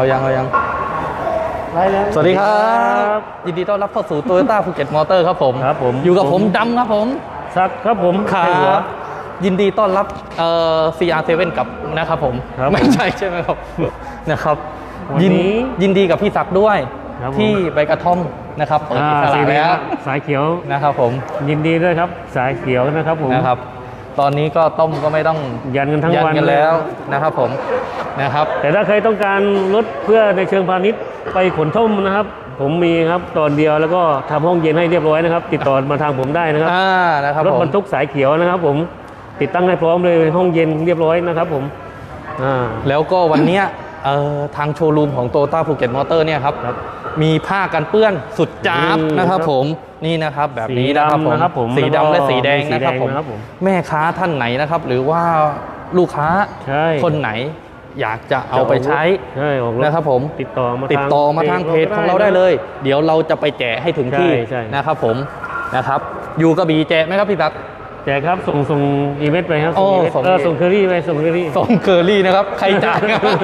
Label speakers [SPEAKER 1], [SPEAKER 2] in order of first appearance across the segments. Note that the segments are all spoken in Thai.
[SPEAKER 1] ยังสวัสดีครับยินดีต้อนรับเข้าสู่โตโยต้าภูเก็ตมอเตอร์ครับผมอยู่กับผมดำครับผม
[SPEAKER 2] ซักครับผม
[SPEAKER 1] ครับยินดีต้อนรับCR7 กับนะครับผมไม่ใช่ไหมครับนะครับยินดีกับพี่ศักดิ์ด้วยที่ใบกระท่อมนะครับเปิดอิสระแล้ว
[SPEAKER 2] สายเขียว
[SPEAKER 1] นะครับผม
[SPEAKER 2] ยินดีด้วยครับสายเขียวนะครับผม
[SPEAKER 1] นะครับตอนนี้ก็ต้มก็ไม่ต้อง
[SPEAKER 2] ยันกันทั้งวัน
[SPEAKER 1] กันแล้วนะครับผมนะครับ
[SPEAKER 2] แต่ถ้าใครต้องการรถเพื่อในเชิงพาณิชย์ไปขนท่มนะครับผมมีครับตอนเดียวแล้วก็ทำห้องเย็นให้เรียบร้อยนะครับติดต่อมาทางผมได้นะครับรถบรรทุกสายเขียวนะครับผมติดตั้งให้พร้อมเลยห้องเย็นเรียบร้อยนะครับผม
[SPEAKER 1] แล้วก็วันนี้ทางโชว์รูมของโตโยต้าภูเก็ตมอเตอร์เนี่ยครับมีผ้ากันเปื้อนสุดจ้าบนะครับผมนี่นะครับแบบนี้นะครับผมสีดำและสีแดงนะครับผมแม่ค้าท่านไหนนะครับหรือว่าลูกค้าคนไหนอยากจะเอาไปใช้นะครับผมติดต่อมาทางเพจของเราได้เลยเดี๋ยวเราจะไปแจกให้ถึงที่นะครับผมนะครับอยู่กระบี่แจกไหมครับพี่ตั๊ก
[SPEAKER 2] แจกครับส่งอีเวนต์ไปครับส่งเคอรี่ไปส่งเคอ
[SPEAKER 1] รี่นะครับใครจ่าย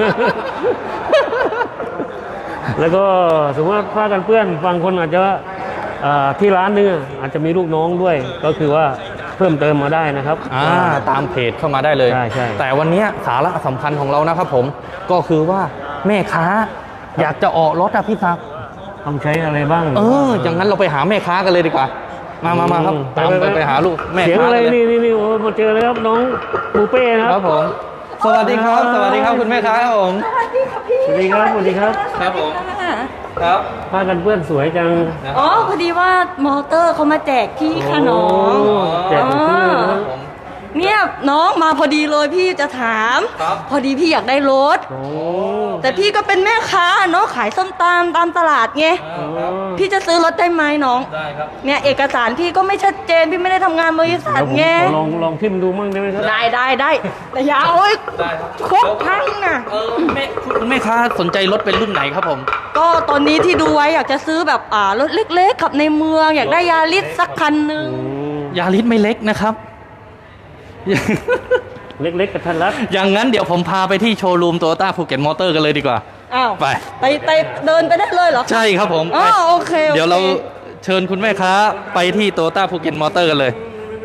[SPEAKER 2] แล้วก็สมมติว่าผ้ากันเปื้อนบางคนอาจจะที่ร้านนึงอาจจะมีลูกน้องด้วยก็คือว่าเพิ่มเติมมาได้นะครับ
[SPEAKER 1] ตามเพจเข้ามาได้เลย
[SPEAKER 2] ใช่
[SPEAKER 1] แต่วันนี้สาระสำคัญของเรานะครับผมก็คือว่าแม่ค้าอยากจะออกรถพี่ศักดิ์
[SPEAKER 2] ต้องใช้อะไรบ้าง
[SPEAKER 1] อย่างนั้นเราไปหาแม่ค้ากันเลยดีกว่ามาครับตามไปหาลูกแม่ค้า
[SPEAKER 2] เลยนี่โอ้มาเจอเลยครับน้องปูเป้
[SPEAKER 1] ครับผมสวัสดีครับคุณแม่ค้าครับผม
[SPEAKER 2] สวัสดีครับ
[SPEAKER 1] ครับผมครับ
[SPEAKER 2] ผ้ากันเปื้อนสวยจัง
[SPEAKER 3] พอดีว่ามอเตอร์เขามาแจกพี่ค่ะน้อง
[SPEAKER 2] แจกพี่นะ
[SPEAKER 3] เนี่ยน้องมาพอดีเลยพี่จะถามพอดีพี่อยากได้รถแต่พี่ก็เป็นแม่ค้าเนาะขายส้มตำตามตลาดไงพี่จะซื้อรถได้ไหมน้อง
[SPEAKER 1] ได้ครับ
[SPEAKER 3] เนี่ยเอกสารพี่ก็ไม่ชัดเจนพี่ไม่ได้ทำงานบริษัทไง
[SPEAKER 2] ลองทิมดูมั่งได้ไหมครับ
[SPEAKER 3] ได้แต่อย่าเอาครบทั้งน่ะ
[SPEAKER 1] แม่ค้าสนใจรถเป็นรุ่นไหนครับผม
[SPEAKER 3] ก็ตอนนี้ที่ดูไว้อยากจะซื้อแบบรถเล็กๆขับในเมืองอยากได้ยาริสสักคันนึง
[SPEAKER 1] ยาริสไม่เล็กนะครับ
[SPEAKER 2] เล็กๆกับทันรัด
[SPEAKER 1] อย่างนั้นเดี๋ยวผมพาไปที่โชว์รูมโตโยต้าภูเก็ตมอเตอร์กันเลยดีกว่า
[SPEAKER 3] ไปเดินไปได้เลยเหรอ
[SPEAKER 1] ใช่ครับผม
[SPEAKER 3] โอเค
[SPEAKER 1] เดี๋ยวเราเชิญคุณแม่ค้าไปที่โตโยต้าภูเก็ตมอเตอร์กันเลย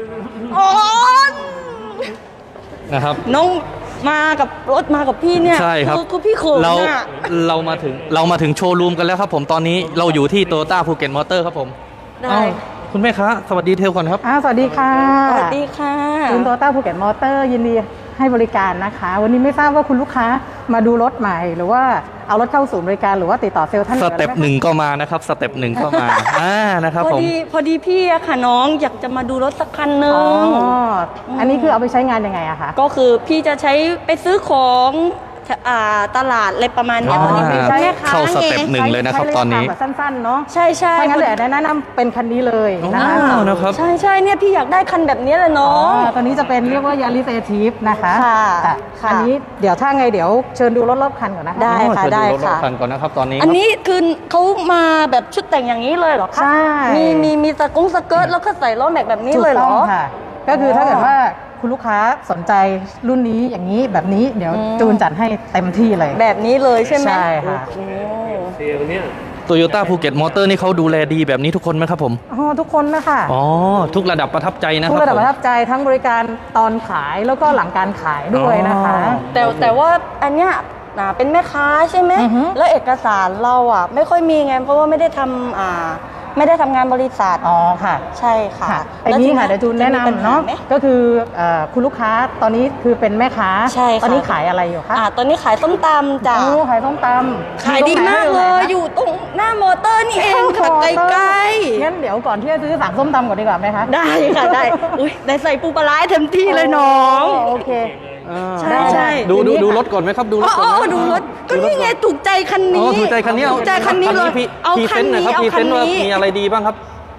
[SPEAKER 1] นะครับ
[SPEAKER 3] น้องมากับรถมากับพี่เนี่ย
[SPEAKER 1] ใช่ครับ
[SPEAKER 3] คือพี่โขง
[SPEAKER 1] เรามาถึงโชว์รูมกันแล้วครับผมตอนนี้เราอยู่ที่โตโยต้าภูเก็ตมอเตอร์ครับผม
[SPEAKER 3] ได้
[SPEAKER 1] คุณแม่ค้าสวัสดีเทลก่อนครับ
[SPEAKER 4] สวัสดีค่ะ
[SPEAKER 3] สวัสดีค่ะ
[SPEAKER 4] คุณโตโยต้าภูเก็ตมอเตอร์ยินดีให้บริการนะคะวันนี้ไม่ทราบว่าคุณลูกค้ามาดูรถใหม่หรือว่าเอารถเข้าศูนย์บริการหรือว่าติดต่อเซลล์ท่าน
[SPEAKER 1] สเต็ปหนึ่งก็มานะครับสเต็ปหนึ่งก็มานะครับผม
[SPEAKER 3] พอดีพี่อะค่ะน้องอยากจะมาดูรถสักคันหนึ่ง
[SPEAKER 4] อันนี้คือเอาไปใช้งานยังไงอะคะ
[SPEAKER 3] ก็คือพี่จะใช้ไปซื้อของตลาดอะไรประมาณนี้ตอนนี้
[SPEAKER 4] ใช่
[SPEAKER 1] เข้าสเต็ปหนึ่งเลยนะครับตอนนี้
[SPEAKER 4] สั้นๆเนาะ
[SPEAKER 3] ใช่
[SPEAKER 4] ถ้างั้นเดี๋ยวแนะนำเป็นคันนี้เลย
[SPEAKER 1] นะครับ
[SPEAKER 3] ใช่เนี่ยพี่อยากได้คันแบบนี้เลยน้อง
[SPEAKER 4] ตอนนี้จะเป็นเรียกว่ายาริสเอทีฟนะคะอันนี้เดี๋ยวถ้าไงเดี๋ยวเชิญดูรถคันก่อนนะคะ
[SPEAKER 3] ได้ค่ะได้
[SPEAKER 1] ค่ะรถคันก่อนนะครับตอนนี้
[SPEAKER 3] อันนี้คือเขามาแบบชุดแต่งอย่างนี้เลยเหรอคะ
[SPEAKER 4] ใช่
[SPEAKER 3] มีสเกิร์ตแล้วก็ใส่ล้อแม็กแบบนี้เลยเหรอ
[SPEAKER 4] ค่ะก็คือถ้าเกิดว่าคุณลูกค้าสนใจรุ่นนี้อย่างนี้แบบนี้เดี๋ยวจูนจัดให้เต็มที่เลย
[SPEAKER 3] แบบนี้เลยใช่ไหม
[SPEAKER 4] ใช่ค่ะ
[SPEAKER 1] โตโยต้าภูเก็ตมอเตอร์นี่เขาดูแลดีแบบนี้ทุกคนไหมครับผม
[SPEAKER 4] ทุกคนนะคะ
[SPEAKER 1] ทุกระดับประทับใจนะครับ
[SPEAKER 4] ทุกระดับประทับใจทั้งบริการตอนขายแล้วก็หลังการขายด้วยนะคะ
[SPEAKER 3] แต่ว่าอันเนี้ยเป็นแม่ค้าใช่ไหมแล้วเอกสารเราไม่ค่อยมีไงเพราะว่าไม่ได้ทำงานบริษัท
[SPEAKER 4] ค่ะ
[SPEAKER 3] ใช่ค่ะ
[SPEAKER 4] อันนี้ค่ะเดี๋ยวจูนแนะนำเนาะก็คือคุณลูกค้าตอนนี้คือเป็นแม่ค้า
[SPEAKER 3] ใช่
[SPEAKER 4] ตอนนี้ขายอะไรอยู่คะ
[SPEAKER 3] ตอนนี้ขายส้มตำจ้ะ
[SPEAKER 4] ขายส้มตำ
[SPEAKER 3] ขายดีมากเลยอยู่ตรงหน้ามอเตอร์นี่เองค่ะใกล้
[SPEAKER 4] ๆงั้นเดี๋ยวก่อนที่จะซื้อสั่งส้มตำก่อนดีกว่าไหมคะ
[SPEAKER 3] ได้ค่ะได้ได้ใส่ปูปลาร้าเต็มที่เลยน้อง
[SPEAKER 4] โอเค
[SPEAKER 3] ใช่
[SPEAKER 1] ดูรถก่อนไหมครับดูรถก่อน
[SPEAKER 3] ดูรถก็นี่ไงถูกใจคันนี้
[SPEAKER 1] ถูกใจคันนี้
[SPEAKER 3] เลย
[SPEAKER 1] เอาคันนี้พรีเซนต์ว่ามีอะไรดีบ้างครับ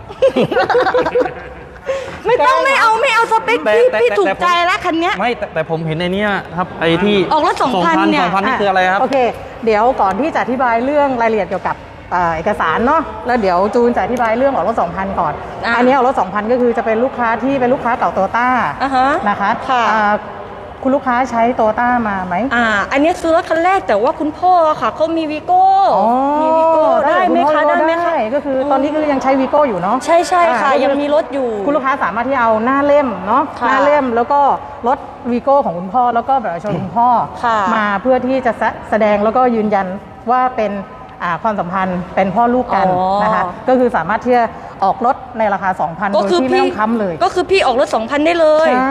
[SPEAKER 4] ไม่เอาสเปคพี่ถูกใจแล้วคันนี้
[SPEAKER 1] ไม่แต่ผมเห็นในนี้ครับไอ้ที่
[SPEAKER 3] ออกรถ2,000เนี่ย
[SPEAKER 1] 2,000นี่คืออะไรครับ
[SPEAKER 4] โอเคเดี๋ยวก่อนที่จะอธิบายเรื่องรายละเอียดเกี่ยวกับเอกสารเนาะแล้วเดี๋ยวจูนจะอธิบายเรื่องออกรถ 2,000 ก่อนอันนี้ออกรถ 2,000 ก็คือจะเป็นลูกค้าที่เป็นลูกค้าเก่าโตโยต้านะคะคุณลูกค้าใช้โตต้ามาไหม
[SPEAKER 3] อันนี้ซื้อรถคันแรกแต่ว่าคุณพ่อค่ะเขามีวีโก้มีวีโก้ได้ไหมคะได้ไหมคะ
[SPEAKER 4] ก็คือตอนนี้ก็ยังใช้วีโก้อยู่เนาะ
[SPEAKER 3] ใช่ใช่ค่ะยังมีรถอยู่
[SPEAKER 4] คุณลูกค้าสามารถที่เอาหน้าเล่มเนาะ
[SPEAKER 3] ค่ะ
[SPEAKER 4] หน้าเล่มแล้วก็รถวีโก้ของคุณพ่อแล้วก็แบบประชาชนคุณพ่อ
[SPEAKER 3] ค่ะ
[SPEAKER 4] มาเพื่อที่จะแสดงแล้วก็ยืนยันว่าเป็นความสัมพันธ์เป็นพ่อลูกกันนะคะก็คือสามารถที่จะออกรถในราคา 2,000 โดยที่ไม่ต้องค้ำเลย
[SPEAKER 3] ก็คือพี่ออกรถ 2,000 ได้เลย
[SPEAKER 4] ใช่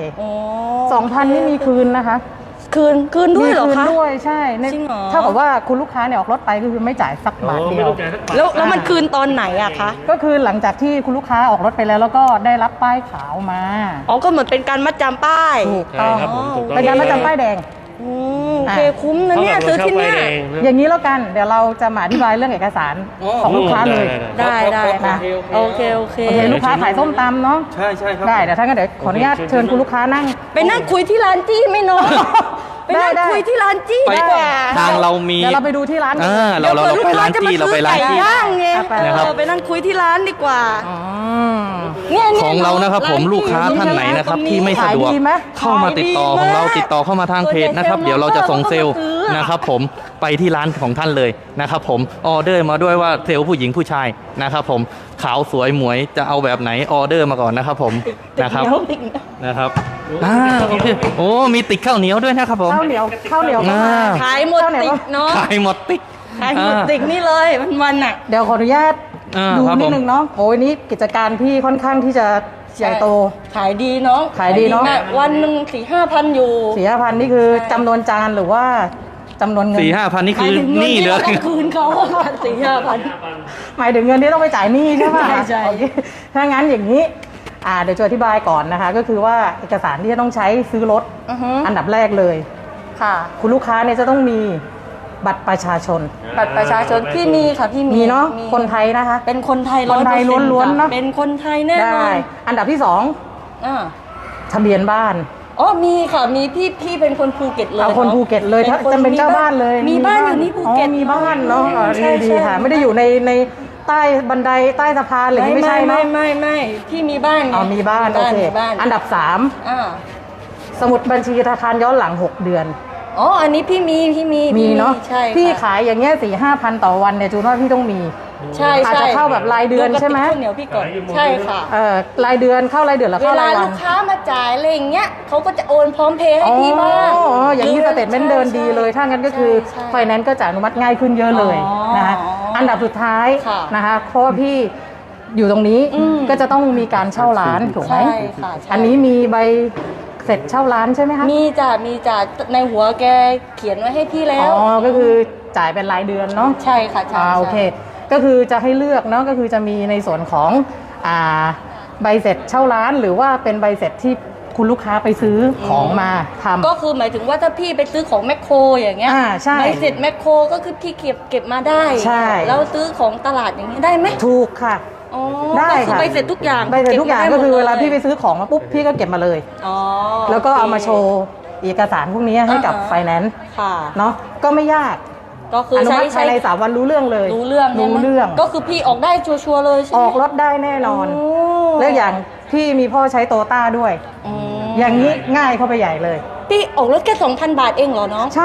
[SPEAKER 4] 2,000 นี่มีคืนนะคะ
[SPEAKER 3] คืนด้วยเหรอ
[SPEAKER 4] มีคืน
[SPEAKER 3] คะ
[SPEAKER 4] ด้วยใช่
[SPEAKER 3] จริงเหรอ
[SPEAKER 4] เท่ากับว่าคุณลูกค้าเนี่ยออกรถไปก็คือไม่จ่ายสักบาทเดียว
[SPEAKER 3] แล้วมันคืนตอนไหนอะคะ
[SPEAKER 4] ก็คือหลังจากที่คุณลูกค้าออกรถไปแล้วก็ได้รับป้ายขาวมา
[SPEAKER 3] ก็เหมือนเป็นการมัดจำป้าย
[SPEAKER 4] ถูกต้อง
[SPEAKER 2] ใช่ครับผมถูกต้อง
[SPEAKER 4] เป็นการมาจำป้ายแดง
[SPEAKER 3] โอเคคุ้มนะเนี่ยซื้อที่เนี่ย
[SPEAKER 4] อย่างนี้แล้วกัน เดี๋ยวเราจะมาอธิบายเรื่องเอกสารของลูกค้าเลย
[SPEAKER 3] ได้นะโอเค
[SPEAKER 4] โอเคลูกค้าขายส้มตำเนาะ
[SPEAKER 1] ใช่ครับ
[SPEAKER 4] ได้เดี๋ยวท่านก็เดี๋ยวขออนุญาตเชิญคุณลูกค้านั่ง
[SPEAKER 3] ไปนั่งคุยที่ร้านจี้ไหมน้องไปนั่ง
[SPEAKER 4] ได้
[SPEAKER 3] คุยที่ร้านจี้ดีกว่า
[SPEAKER 1] ทางเรามี
[SPEAKER 4] เดี๋ยวเราไปดูที่ร้าน
[SPEAKER 1] เราไปร้านจี้เราไปร้านจี้
[SPEAKER 3] ย่างไง
[SPEAKER 1] นะครับ
[SPEAKER 3] ไปนั่งคุยที่ร้านดีกว่า
[SPEAKER 4] อ๋อ
[SPEAKER 3] เนี่ย
[SPEAKER 1] ของเรานะครับผมลูกค้าท่านไหนนะครับที่ไม่สะดวก
[SPEAKER 4] ขายดีไหม
[SPEAKER 1] เข้ามาติดต่อของเราติดต่อเข้ามาทางเพจนะครับเดี๋ยวเราจะส่งเซลล์นะครับผมไปที่ร้านของท่านเลยนะครับผมออเดอร์มาด้วยว่าเซลล์ผู้หญิงผู้ชายนะครับผมขาวสวยหมวยจะเอาแบบไหนออเดอร์มาก่อนนะครับผมนะครับนะครับโอเคโอ้มีติดข้าวเหนียวด้วยนะครับผม
[SPEAKER 4] ข้าวเหนียวก็มา
[SPEAKER 3] ขายหมดติกเนาะ
[SPEAKER 1] ขายหมดติ๊ก
[SPEAKER 3] ขายหมดติกนี่เลยวันๆน่ะ
[SPEAKER 4] เดี๋ยวขออนุญาตดู
[SPEAKER 1] ครับผม
[SPEAKER 4] นิดนึงเนาะโอ้ยนี่กิจการพี่ค่อนข้างที่จะใหญ่โต
[SPEAKER 3] ขายดีเนาะ
[SPEAKER 4] ขายดีเนอะ
[SPEAKER 3] มกวันหนึ่ง4-5 พันอยู่
[SPEAKER 4] 4,000 นี่คือจำนวนจานหรือว่าจำนวนเงิน
[SPEAKER 1] 4-5 พันนี่
[SPEAKER 3] ห
[SPEAKER 1] คื
[SPEAKER 3] มาย
[SPEAKER 1] อ
[SPEAKER 3] ถึงเงิ
[SPEAKER 1] หนี่
[SPEAKER 3] ที่
[SPEAKER 1] เล
[SPEAKER 3] เรา
[SPEAKER 1] ย
[SPEAKER 3] ต้องคืนเขา4-5 พัน
[SPEAKER 4] หมายถึงเงินที่ต้องไปจ่ายหนี้ใช่ไหม
[SPEAKER 3] ใช่
[SPEAKER 4] โอเคถ้างั้นอย่างนี้เดี๋ยวจะอธิบายก่อนนะคะ ก็คือว่าเอกสารที่จะต้องใช้ซื้อรถ อันดับแรกเลย
[SPEAKER 3] ค่ะ
[SPEAKER 4] คุณลูกค้าเนี่ยจะต้องมีบัตรประชาชน
[SPEAKER 3] บัตรประชาชนพี่มีค่ะพี่มี
[SPEAKER 4] มีเนาะคนไทยนะคะ
[SPEAKER 3] เป็นคนไทย
[SPEAKER 4] คนไทย
[SPEAKER 3] 100%
[SPEAKER 4] ล้วนๆเนอะ
[SPEAKER 3] เป็นคนไทยแน่นอ
[SPEAKER 4] ได้
[SPEAKER 3] น
[SPEAKER 4] อันดับที่สอง
[SPEAKER 3] อ่า
[SPEAKER 4] ทะเบียนบ้าน
[SPEAKER 3] มีค่ะมีพี่เป็นคนภูเก็ตเลย
[SPEAKER 4] เอาคน
[SPEAKER 3] อะ
[SPEAKER 4] ภูเก็ตเลยถ้าจะเป็นเจ้าบ้านเลย
[SPEAKER 3] มีบ้านอยู่นี่ภูเก็ต
[SPEAKER 4] มีบ้านเนาะ
[SPEAKER 3] ใช่
[SPEAKER 4] ดี
[SPEAKER 3] ใช่
[SPEAKER 4] ค่ะ ไม่ได้อยู่ในใต้บันไดใต้สะพานอะไรอย่างนี้ไม่ใช่เนาะ
[SPEAKER 3] ไม่พี่มีบ้านไง
[SPEAKER 4] มีบ้านโอเค
[SPEAKER 3] มีบ้าน
[SPEAKER 4] อันดับ
[SPEAKER 3] อ่า
[SPEAKER 4] 3 สมุดบัญชีธนาคารย้อนหลัง 6 เดือน
[SPEAKER 3] อันนี้พี่มี
[SPEAKER 4] มีเนาะ
[SPEAKER 3] ใช่
[SPEAKER 4] พี่
[SPEAKER 3] ค่ะ
[SPEAKER 4] ขายอย่างเงี้ย4-5 พันต่อวันเนี่ยจูนว่าพี่ต้องมี
[SPEAKER 3] ใช่
[SPEAKER 4] อาจจะเข้าแบบรายเดือนใช่ไหม
[SPEAKER 3] ข้าวเหนียวพี่ก่อนใช่ค่ะ
[SPEAKER 4] รายเดือนเข้ารายเดือนหรือ
[SPEAKER 3] เว
[SPEAKER 4] เข้ารายวั
[SPEAKER 3] ลาลู
[SPEAKER 4] น
[SPEAKER 3] กค้ามาจ่ายอะไรอย่างเงี้ยเขาก็จะโอนพร้อมเพย์ให้พี่บ้าง
[SPEAKER 4] อย่างนี้สเตทเมนต์เดินดีเลย ถ้างั้นก็คือ
[SPEAKER 3] ใช่
[SPEAKER 4] ไฟแนนซ์ก็จะอนุมัติง่ายขึ้นเยอะเลยนะคะอันดับสุดท้าย
[SPEAKER 3] ค่ะ
[SPEAKER 4] นะคะเพราะว่าพี่อยู่ตรงนี้ก็จะต้องมีการเช่าร้านถูกไหม
[SPEAKER 3] ใช่ค่ะใช่
[SPEAKER 4] อันนี้มีใบเสร็จเช่าร้านใช่ไหมคะ
[SPEAKER 3] มีจ่าในหัวแกเขียนไว้ให้พี่แล้ว
[SPEAKER 4] ก็คือจ่ายเป็นรายเดือนเนาะ
[SPEAKER 3] ใช่ค่ะใช่
[SPEAKER 4] โอเค ก็คือจะให้เลือกเนาะก็คือจะมีในส่วนของใบเสร็จเช่าร้าน หรือว่าเป็นใบเสร็จที่คุณลูกค้าไปซื้อของมาทำ
[SPEAKER 3] ก็คือหมายถึงว่าถ้าพี่ไปซื้อของแมคโครอย่างเงี้ย
[SPEAKER 4] ใช่
[SPEAKER 3] ใบเสร็จแมคโครก็คือพี่เก็บมาได้
[SPEAKER 4] ใช่
[SPEAKER 3] แล้วซื้อของตลาดอย่างเงี้ยได้ไหม
[SPEAKER 4] ถูกค่ะ
[SPEAKER 3] อ๋อ
[SPEAKER 4] ได้
[SPEAKER 3] ก็คือ
[SPEAKER 4] ค่ะ
[SPEAKER 3] ใบเสร็จทุกอย่าง
[SPEAKER 4] ใบเสร็จทุกอย่าง
[SPEAKER 3] บม
[SPEAKER 4] ก็
[SPEAKER 3] ได้หมด
[SPEAKER 4] คือเวลา
[SPEAKER 3] ย
[SPEAKER 4] พี่ไปซื้อของมาปุ๊บพี่ก็เก็บมาเลย
[SPEAKER 3] อ๋อ
[SPEAKER 4] แล้วก็เอามาโช
[SPEAKER 3] โอ
[SPEAKER 4] ว์เอกสารพวกนี้ให้กับ
[SPEAKER 3] อ่าฮะ
[SPEAKER 4] ไฟแนนซ์
[SPEAKER 3] เคค่ะ
[SPEAKER 4] เนาะก็ไม่ยาก
[SPEAKER 3] ก็คือ
[SPEAKER 4] อนุ
[SPEAKER 3] ใช้
[SPEAKER 4] มัติภายใน3 วันรู้เรื่องเลย
[SPEAKER 3] รู้เรื่องใช่ไหม
[SPEAKER 4] รู้เรื่อง
[SPEAKER 3] ก็คือพี่ออกได้ชัวร์ๆเลยใช่ไห
[SPEAKER 4] อ
[SPEAKER 3] ม
[SPEAKER 4] อกรถได้แน่นอน
[SPEAKER 3] โอ้
[SPEAKER 4] แล้วอย่างพี่มีพ่อใช้โตต้าด้วย
[SPEAKER 3] อืม
[SPEAKER 4] อย่างนี้ง่ายเข้าไปใหญ่เลย
[SPEAKER 3] พี่ออกรถแค่ 2,000 บาทเองเหรอน้อง
[SPEAKER 4] ใช่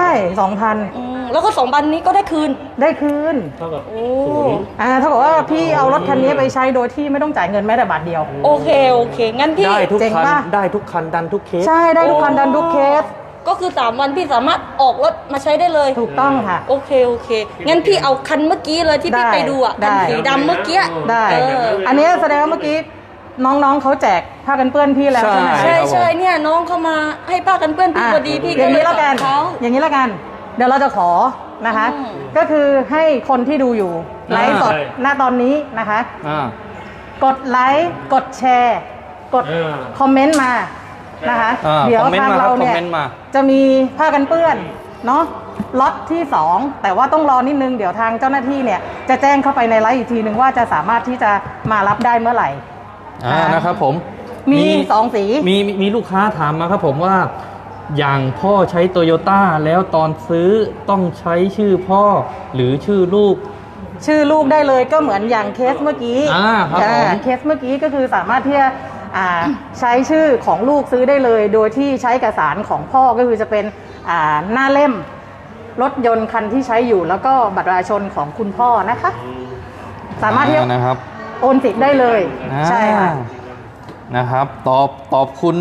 [SPEAKER 4] 2,000
[SPEAKER 3] แล้วก็2 วันนี้ก็ได้คืน
[SPEAKER 4] ได้คืน
[SPEAKER 2] เท่ากับ
[SPEAKER 3] โอ้
[SPEAKER 4] เท่ากับว่าพี่เอารถคันนี้ไปใช้โดยที่ไม่ต้องจ่ายเงินแม้แต่บาทเดียว
[SPEAKER 3] โอเคงั้นพี่
[SPEAKER 1] ได้ทุก
[SPEAKER 4] เจ๋ง
[SPEAKER 1] คัน
[SPEAKER 4] ปะ
[SPEAKER 1] ได้ทุกคันดันทุกเคส
[SPEAKER 4] ใช่ได้ทุกคันดันทุกเคส
[SPEAKER 3] ก็คือ3 วันพี่สามารถออกรถมาใช้ได้เลย
[SPEAKER 4] ถูกต้องค่ะ
[SPEAKER 3] โอเคงั้นพี่เอาคันเมื่อกี้เลยที่พี่
[SPEAKER 4] ได้
[SPEAKER 3] ไปดูอ่ะ
[SPEAKER 4] ได้
[SPEAKER 3] คันสีดำเมื่อกี้
[SPEAKER 4] ได้
[SPEAKER 3] อั
[SPEAKER 4] นนี้แสดงว่าเมื่อกี้น้องๆเขาแจกผ้ากันเปื้อนพี่แล้วใช่ไหม
[SPEAKER 1] ใช่
[SPEAKER 3] ใช่เนี่ยน้องเข้ามาให้ป้ากันเปื้อนพี่พอดีพี่
[SPEAKER 4] อย่างนี้แล้วกัน
[SPEAKER 3] เขา
[SPEAKER 4] อย่างนี้แล้วกัน เดี๋ยวเราจะขอนะคะ
[SPEAKER 3] อืม
[SPEAKER 4] ก็คือให้คนที่ดูอยู่ไลฟ์สด
[SPEAKER 2] ใช่
[SPEAKER 4] ณตอนนี้นะคะ
[SPEAKER 1] อ่า
[SPEAKER 4] กดไลค์กดแชร์ กดคอมเมนต์มานะคะ เดี๋ยว
[SPEAKER 1] คอมเมนต์
[SPEAKER 4] ทาง
[SPEAKER 1] มาค
[SPEAKER 4] เรา
[SPEAKER 1] รับคอม
[SPEAKER 4] เนี่ย
[SPEAKER 1] เมนต์มา
[SPEAKER 4] จะมีผ้ากันเปื้อนเนาะล็อตที่ 2 แต่ว่าต้องรอนิดนึงเดี๋ยวทางเจ้าหน้าที่เนี่ยจะแจ้งเข้าไปในไลฟ์อีกทีนึงว่าจะสามารถที่จะมารับได้เมื่อไหร่
[SPEAKER 1] นะครับผม
[SPEAKER 4] มี2 สี
[SPEAKER 1] มีลูกค้าถามมาครับผมว่าอย่างพ่อใช้โตโยต้าแล้วตอนซื้อต้องใช้ชื่อพ่อหรือชื่อลูก
[SPEAKER 4] ชื่อลูกได้เลยก็เหมือนอย่างเคสเมื่อกี้
[SPEAKER 1] ครับผม
[SPEAKER 4] เคสเมื่อกี้ก็คือสามารถที่จะใช้ชื่อของลูกซื้อได้เลย โดยที่ใช้เอกสารของพ่อก็คือจะเป็นหน้าเล่มรถยนต์คันที่ใช้อยู่แล้วก็บัตรประชาชนของคุณพ่อนะคะ สามารถที่จะ
[SPEAKER 1] นะครับ
[SPEAKER 4] โอนสิทธิ์ได้เลยใช่ค่ะ
[SPEAKER 1] นะครับตอบคุณ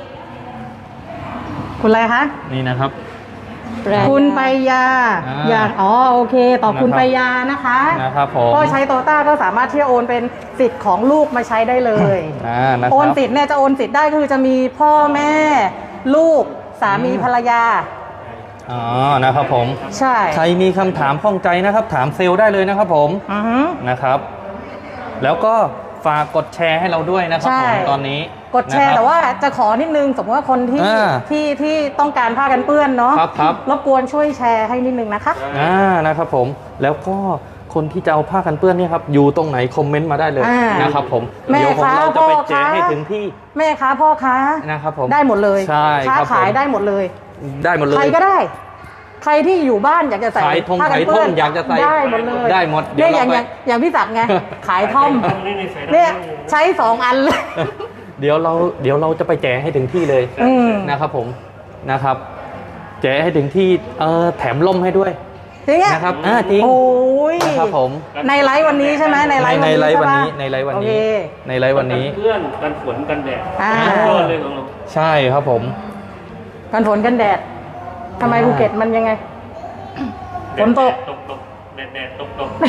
[SPEAKER 4] คุณอะไรคะ
[SPEAKER 1] นี่นะครับ
[SPEAKER 4] คุณไปยา อยากโอเคตอบคุณ
[SPEAKER 1] นะครับ
[SPEAKER 4] ไปยานะคะ
[SPEAKER 1] นะครับผม
[SPEAKER 4] ก็ใช้โตต้าก็สามารถที่จะโอนเป็นสิทธิ์ของลูกมาใช้ได้เลย
[SPEAKER 1] นะครับ
[SPEAKER 4] โอนสิทธิ์เนี่ยจะโอนสิทธิ์ได้คือจะมีพ่อแม่ ลูกสามีภรรยา
[SPEAKER 1] อ๋อนะครับผม
[SPEAKER 4] ใช่
[SPEAKER 1] ใครมีคำถามข้องใจนะครับ ถามเซลล์ได้เลยนะครับผม
[SPEAKER 4] อือฮึ
[SPEAKER 1] นะครับ แล้วก็ฝากกดแชร์ให้เราด้วยนะครับ
[SPEAKER 4] ใช่
[SPEAKER 1] ผมตอนนี้
[SPEAKER 4] กดแชร์
[SPEAKER 1] นะครับ
[SPEAKER 4] แต่ว่าจะขอนิดนึงสมมติว่าคนที่
[SPEAKER 1] อ่า
[SPEAKER 4] ที่ต้องการผ้ากันเปื้อนเนาะ
[SPEAKER 1] ครับ
[SPEAKER 4] รบกวนช่วยแชร์ให้นิดนึงนะคะ
[SPEAKER 1] นะครับผมแล้วก็คนที่จะเอาผ้ากันเปื้อนเนี่ยครับอยู่ตรงไหนคอมเมนต์มาได้เลย
[SPEAKER 4] อ่าน
[SPEAKER 1] นะครับผม
[SPEAKER 4] แม่
[SPEAKER 1] เดี๋ยวผม
[SPEAKER 4] คะ
[SPEAKER 1] เราจะไป
[SPEAKER 4] พ่อ
[SPEAKER 1] แจก
[SPEAKER 4] คะ
[SPEAKER 1] ให้ถึงที่
[SPEAKER 4] แม่ค้าพ่อค้า
[SPEAKER 1] นะครับผม
[SPEAKER 4] ได้หมดเลย
[SPEAKER 1] ใช่
[SPEAKER 4] ค้า
[SPEAKER 1] ครับผม
[SPEAKER 4] ขายได้หมดเลย
[SPEAKER 1] ได้หมดเลย
[SPEAKER 4] ใครก็ได้ ใครที่อยู่บ้านอยากจะใส่
[SPEAKER 1] ขายทง
[SPEAKER 4] ผ้ากันเปื้อน
[SPEAKER 1] ขายท่อมอยากจะใส่
[SPEAKER 4] ได้หมดเลย
[SPEAKER 1] ได้หมดเดี๋
[SPEAKER 4] เนี่ย
[SPEAKER 1] ยว
[SPEAKER 4] อย่าง
[SPEAKER 1] เราไป
[SPEAKER 4] อย่างพี่ศักดิ์ไง ขายท่อม
[SPEAKER 2] เนี่
[SPEAKER 4] เนี่ย ยใช้2 อันเลย
[SPEAKER 1] เดี๋ยวเราจะไปแจกให้ถึงที่เลย
[SPEAKER 4] อืม
[SPEAKER 1] นะครับผมนะครับ แจกให้ถึงที่แถมล่มให้ด้วย
[SPEAKER 4] จริงอะ
[SPEAKER 1] นะครับจริง
[SPEAKER 4] โอ้ย
[SPEAKER 1] นะครับผม
[SPEAKER 4] ในไลฟ์วันนี้ใช่ไหมในไลฟ์วันนี้
[SPEAKER 1] ในไลฟ์วันนี้
[SPEAKER 4] ใช่ปะ
[SPEAKER 1] ในไลฟ์วัน
[SPEAKER 4] โอ
[SPEAKER 1] นี้
[SPEAKER 4] เค
[SPEAKER 1] ในไลฟ์วันนี้
[SPEAKER 2] เพื่อนกันฝนกันแดด
[SPEAKER 4] อ่า
[SPEAKER 2] ยอดเลยของเรา
[SPEAKER 1] ใช่ครับผม
[SPEAKER 4] กันฝนกันแดดทำไมภูเก็ตมันยังไง ฝนตก
[SPEAKER 2] ตกแดดตก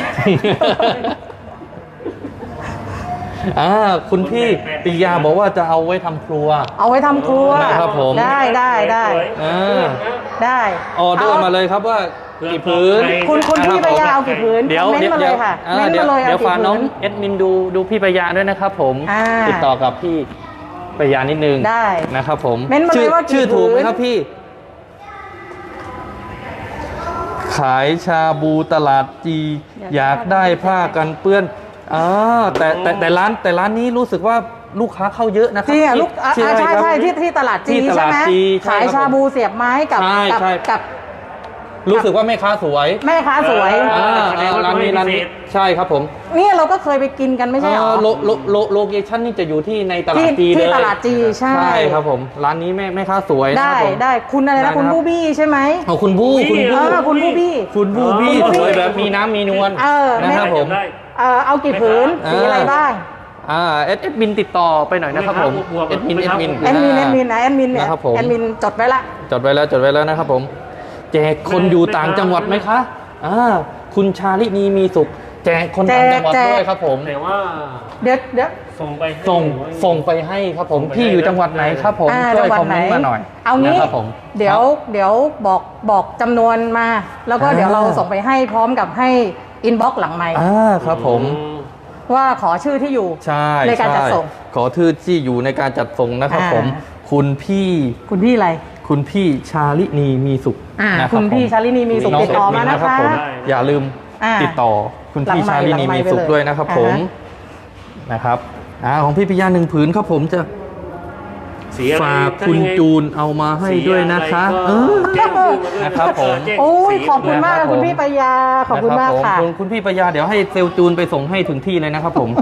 [SPEAKER 1] คุณพี่ปิยาบอกว่าจะเอาไว้ทำครัว
[SPEAKER 4] เอาไว้ทำครัว
[SPEAKER 1] นะครับผม
[SPEAKER 4] ได้ได้
[SPEAKER 1] อ่า
[SPEAKER 4] ได้
[SPEAKER 1] ออเดอร์มาเลยครับว่ากี่พื้น
[SPEAKER 4] คุณพี่ปยาเอากี่ผืน
[SPEAKER 1] เดี๋ยว
[SPEAKER 4] เม้นต์มาเลยค่ะ
[SPEAKER 1] อ่า
[SPEAKER 4] เม้นต์
[SPEAKER 1] เดี๋ยว
[SPEAKER 4] มาเลย
[SPEAKER 1] เดี๋ยว
[SPEAKER 4] เอา
[SPEAKER 1] ฝาก
[SPEAKER 4] กี่
[SPEAKER 1] น้อง
[SPEAKER 4] ผืน
[SPEAKER 1] เอ็ดมินดูพี่ปยาด้วยนะครับผม
[SPEAKER 4] อ่า
[SPEAKER 1] ติดต่อกับพี่ปยานิดนึง
[SPEAKER 4] ได้
[SPEAKER 1] นะครับผม
[SPEAKER 4] เม้นต์มาเลยว่ากี่
[SPEAKER 1] ชื่อถูกไหม
[SPEAKER 4] ผืน
[SPEAKER 1] ครับพี่ ขายชาบูตลาดจีอยากได้ผ้ากันเปื้อนแต่ร้านนี้รู้สึกว่าลูกค้าเข้าเยอะนะครั
[SPEAKER 4] จริงอ่ะลูก
[SPEAKER 1] ใช่
[SPEAKER 4] ใช่
[SPEAKER 1] ครับ
[SPEAKER 4] ใช่ที่ตลาดจี
[SPEAKER 1] ที่ต
[SPEAKER 4] ใช่
[SPEAKER 1] ลาด
[SPEAKER 4] ไหม
[SPEAKER 1] จีใช่
[SPEAKER 4] ขาย
[SPEAKER 1] ครับ
[SPEAKER 4] ชาบูเสียบไม้กับ
[SPEAKER 1] ใช่ใช่
[SPEAKER 4] กับ
[SPEAKER 1] รู้สึกว่าแม่ค้าสวย
[SPEAKER 4] แม่ค้าสวย
[SPEAKER 1] ร้านนี้ใช่ครับผม
[SPEAKER 4] เนี่ยเราก็เคยไปกินกันไม่ใช่เหรอ
[SPEAKER 1] โลเคชั่นนี่จะอยู่ที่ในตลาดจี
[SPEAKER 4] ที่
[SPEAKER 1] เลย
[SPEAKER 4] ตลาดจีใช่
[SPEAKER 1] ใช่ครับผมร้านนี้แม่ค้าสวยนะค
[SPEAKER 4] ได้
[SPEAKER 1] รับผม
[SPEAKER 4] ได้คุณอะไร
[SPEAKER 1] ได้
[SPEAKER 4] นะคุณ
[SPEAKER 1] นะครับ
[SPEAKER 4] บูบี้ใช่ไหม
[SPEAKER 1] เอาคุณบู้คุณบู้
[SPEAKER 4] คุณบูบี้
[SPEAKER 1] คุณบูบี้
[SPEAKER 4] คุณบูบี้
[SPEAKER 1] สวยแบบมีน้ำมีนวล นะครับผม
[SPEAKER 2] ได้
[SPEAKER 4] เอากี่ผืนสีอะไรบ้าง
[SPEAKER 1] เอ็ดมินติดต่อไปหน่อยนะครับผม
[SPEAKER 2] ไม่ครับ
[SPEAKER 1] เอ็ดมิน
[SPEAKER 4] แอดมินนะแอดมินเนี่ย
[SPEAKER 1] นะครับผม
[SPEAKER 4] แอดมินจดไว้ละ
[SPEAKER 1] จดไว้แล้วนะครับผม แจกคนอยู่ต่างจังหวัดไหมคะคุณชาลินีมีสุข แจกคนต่างจังหวัดด้วยครับผม
[SPEAKER 2] แต่ว่า
[SPEAKER 4] เดี๋ยว
[SPEAKER 2] ส่งไปให้
[SPEAKER 1] ส่งไปให้ครับผมพี่อยู่จังหวัดไหนครับผมช่วยคอมเมนต์มาหน่อย
[SPEAKER 4] เอางี้
[SPEAKER 1] นะครับผม
[SPEAKER 4] เดี๋ยวบอกจำนวนมา แล้วก็เดี๋ยวเราส่งไปให้พร้อมกับให้อินบ็อกซ์หลังไมค์
[SPEAKER 1] ครับผม
[SPEAKER 4] ว่าขอชื่อที่อยู่
[SPEAKER 1] ใช่
[SPEAKER 4] ในการจัดส่ง
[SPEAKER 1] ใช่ขอชื่อที่อยู่ในการจัดส่งนะครับผม คุณพี่
[SPEAKER 4] คุณพี่อะไร
[SPEAKER 1] คุณพี่ชาลินีมีสุขนะรับ
[SPEAKER 4] คุณพี่
[SPEAKER 1] ผม
[SPEAKER 4] ชาลินีมีสุข
[SPEAKER 1] น้ง
[SPEAKER 4] ติดต่อมา
[SPEAKER 1] เด
[SPEAKER 4] นะคะ
[SPEAKER 1] ผมอย่าลืม
[SPEAKER 4] อ่า
[SPEAKER 1] ติดต่อคุณพี่
[SPEAKER 4] หลังไมค์
[SPEAKER 1] ชาลินีมีสุข
[SPEAKER 4] หลังไมค์ไปเลย
[SPEAKER 1] ด้วยนะครับ
[SPEAKER 4] อ่า
[SPEAKER 1] ผม
[SPEAKER 4] ฮะ
[SPEAKER 1] นะครับของพี่ปิยา1 ผืนครับผมจะ
[SPEAKER 2] สีอะไร
[SPEAKER 1] ฝากคุณจูนเอามาให้ด้วยนะคะ
[SPEAKER 2] แจ้งชื่อมาด้วย
[SPEAKER 1] นะครับผม
[SPEAKER 2] แจ้ง
[SPEAKER 4] โอ้ย
[SPEAKER 2] สี
[SPEAKER 4] ขอบคุณมาก
[SPEAKER 1] นะครับ
[SPEAKER 4] คุณพี่ปยาขอบคุณมาก
[SPEAKER 1] นะ
[SPEAKER 4] ค่ะ
[SPEAKER 1] รับผมคุณพี่ปยาเดี๋ยวให้เซลลจูนไปส่งให้ถึงที่เลยนะครับผม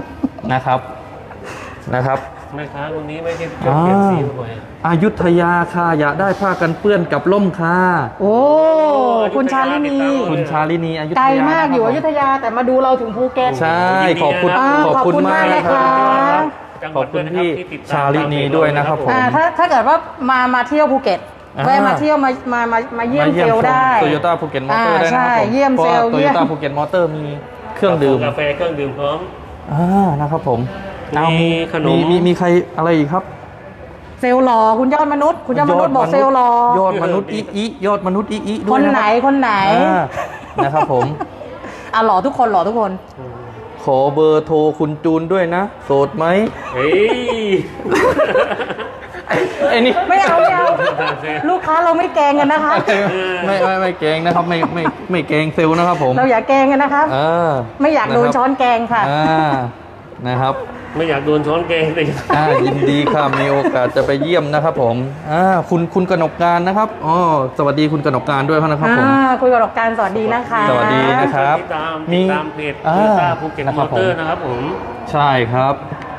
[SPEAKER 1] นะครับ
[SPEAKER 2] แม่ค้าคนนี้ไม่ใช่เปลี่ยนสีบ่อย
[SPEAKER 1] อยุธยาค่ะอยากได้ผ้ากันเปื้อนกับล่มค่ะ
[SPEAKER 4] โอ้คุณชาลินี
[SPEAKER 1] คุณชาลินีอยุธยา
[SPEAKER 4] ไกลมากอยู่อยุ
[SPEAKER 1] ธ
[SPEAKER 4] ธยาแต่มาดูเราถึงภูเก็ต
[SPEAKER 1] ใช่ขอบคุณ
[SPEAKER 4] ขอบคุณมาก
[SPEAKER 1] นะ
[SPEAKER 4] นะ
[SPEAKER 1] ค
[SPEAKER 4] คะ
[SPEAKER 1] รับ
[SPEAKER 2] จังห
[SPEAKER 1] ข
[SPEAKER 2] วั
[SPEAKER 1] อ
[SPEAKER 2] ด
[SPEAKER 1] บคุณ
[SPEAKER 2] ด้วยนะ
[SPEAKER 1] พี่
[SPEAKER 2] ที่ติดตม
[SPEAKER 1] ชาลินีด้วยนะครับผม
[SPEAKER 4] ถ้าเกิดว่ามาเที่ยวภูเก็ตแวะมาเที่ยวมาเยี่ยมเซลล์ได้
[SPEAKER 1] โตโยต้าภูเก็ตมอเตอร์ได้นะครับ
[SPEAKER 4] ใช่
[SPEAKER 1] ผม
[SPEAKER 4] เยี่ยมเซลล์
[SPEAKER 1] โต
[SPEAKER 4] เยี่
[SPEAKER 1] โย
[SPEAKER 4] ยม
[SPEAKER 1] ต้าภูเก็ตมอเตอร์มีเครื่องดื่ม
[SPEAKER 2] กาแฟเครื่องดื่มพร้อม
[SPEAKER 1] นะครับผม
[SPEAKER 2] มีขนม
[SPEAKER 1] มีใครอะไรอีกครับ
[SPEAKER 4] เซลล์หล่อคุณยอดมนุษย์คุณยอดมนุษย์บอกเซลล์หล่อย
[SPEAKER 1] อดมนุษย์อียอดมนุษย์อีด้
[SPEAKER 4] ค
[SPEAKER 1] วย
[SPEAKER 4] น
[SPEAKER 1] นะ
[SPEAKER 4] ไหน
[SPEAKER 1] รับ
[SPEAKER 4] คนไหน
[SPEAKER 1] นะครับผม
[SPEAKER 4] หล่อทุกคนหล่อทุกคน
[SPEAKER 1] ขอเบอร์โทรคุณจูนด้วยนะโสดไหม
[SPEAKER 2] เฮ้ย
[SPEAKER 1] ไอ้นี่
[SPEAKER 4] ไม่เอาลูกค้าเราไม่แกล้งกันนะคะ
[SPEAKER 1] ไม่เกรงนะครับไม่เกรงเซลล์นะครับผม
[SPEAKER 4] เราอย่าแกล้งกันนะครับ ไม่อยากโดนช้อนแกงค่ะ
[SPEAKER 1] นะครับ
[SPEAKER 2] ไม่อยากโดนช้อนแกงเลย
[SPEAKER 1] ยินดีค่ะมีโอกาสจะไปเยี่ยมนะครับผมคุณกนกการนะครับสวัสดีคุณกนกการด้วยนะครับผม
[SPEAKER 4] คุยกับดอกการสวัสดีนะคะ
[SPEAKER 1] สวัสดีนะครับ
[SPEAKER 2] ติดตามเพจโตโยต้าภูเก็ตมอเตอร์นะครับผม
[SPEAKER 1] ใช่ครับ